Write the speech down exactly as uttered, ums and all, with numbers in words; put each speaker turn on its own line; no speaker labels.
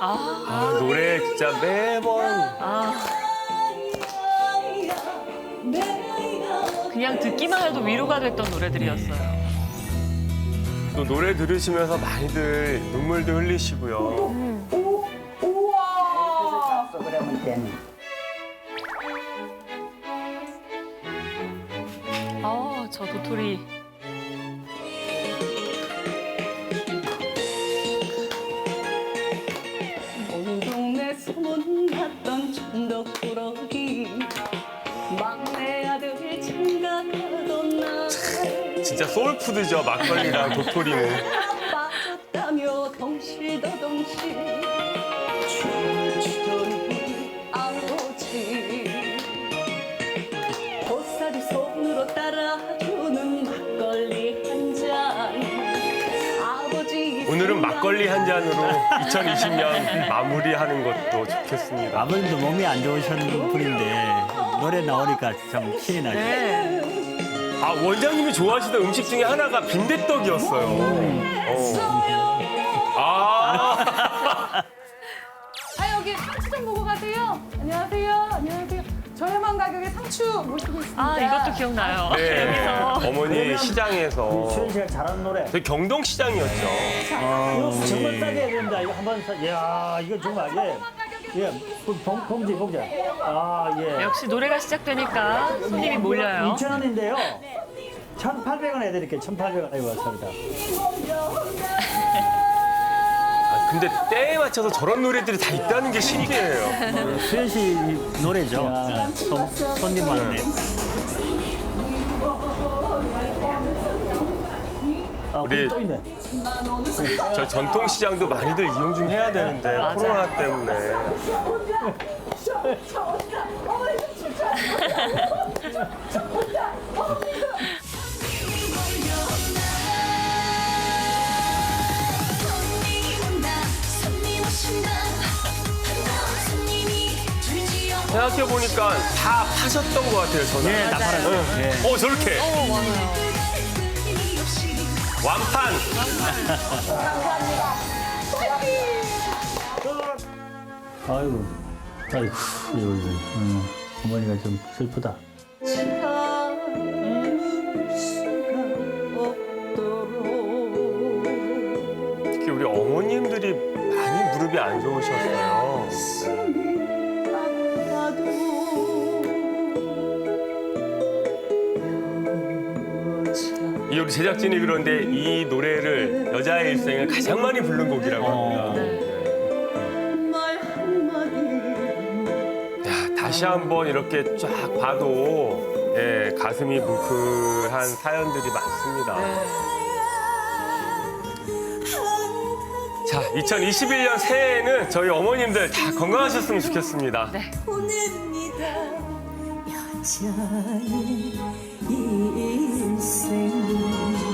아,
아, 노래 진짜 매번.
아. 그냥 듣기만 해도 위로가 됐던 노래들이었어요.
또 노래 들으시면서 많이들 눈물도 흘리시고요.
오, 우와.
그러면 되는.
아, 저 도토리.
온 동네 소문났던 천덕꾸러기 막내 아들 장가가던 날
진짜 소울푸드죠, 막걸리랑 도토리는.
빠졌다며 덩실더덩실 춤추던 우리 아버지 보살이 손으로 따라주는 막걸리 한 잔 아버지
오늘은 막걸리 한 잔으로 이천이십 년 마무리하는 것도 좋겠습니다.
아버님도 몸이 안 좋으신 분인데 노래 나오니까 참 신이 나죠.
네.
아, 원장님이 좋아하시던 음식 중에 하나가 빈대떡이었어요. 어. 아.
아 여기 상추 좀 보고 가세요. 안녕하세요. 안녕하세요. 저렴한 가격에 상추 모시고 있습니다.
아, 이것도 기억나요.
네.
여기서.
어머니 시장에서.
수현 씨가 잘하는 노래.
저희 경동시장이었죠.
이거 정말 싸게 해야 된다. 이거 한번 사. 야, 이거 정말 예. 예, 봉, 봉지 봉지. 아 예.
역시 노래가 시작되니까 손님이 몰려요.
이천 원인데요. 천팔백 원 해드릴게요. 천팔백 원. 아이고 감사합니다.
아, 근데 때에 맞춰서 저런 노래들이 다 있다는 게 신기해요.
수현 씨 노래죠. 손, 손님 많네. 아,
우리-
또 있네.
저 전통시장도 많이들 이용 좀 해야 되는데
맞아요.
코로나 때문에. 생각해보니까 다 파셨던 것 같아요, 저는.
예, 다 팔아요. 예.
어, 저렇게.
어, 맞아요.
완판.
아이고, 아이고, 이거, 이거. 음, 어머니가 좀 슬프다.
참을 수가 없도록
특히 우리 어머님들이 많이 무릎이 안 좋으셨어요. 이 우리 제작진이 그런데 이 노래를 여자의 일생을 가장 많이 부른 곡이라고 합니다.
말 한마디
야, 다시 한번 이렇게 쫙 봐도 예, 가슴이 뭉클한 사연들이 많습니다. 자, 이천이십일 년 새해에는 저희 어머님들 다 건강하셨으면 좋겠습니다.
네.
보냅니다 여자의 일생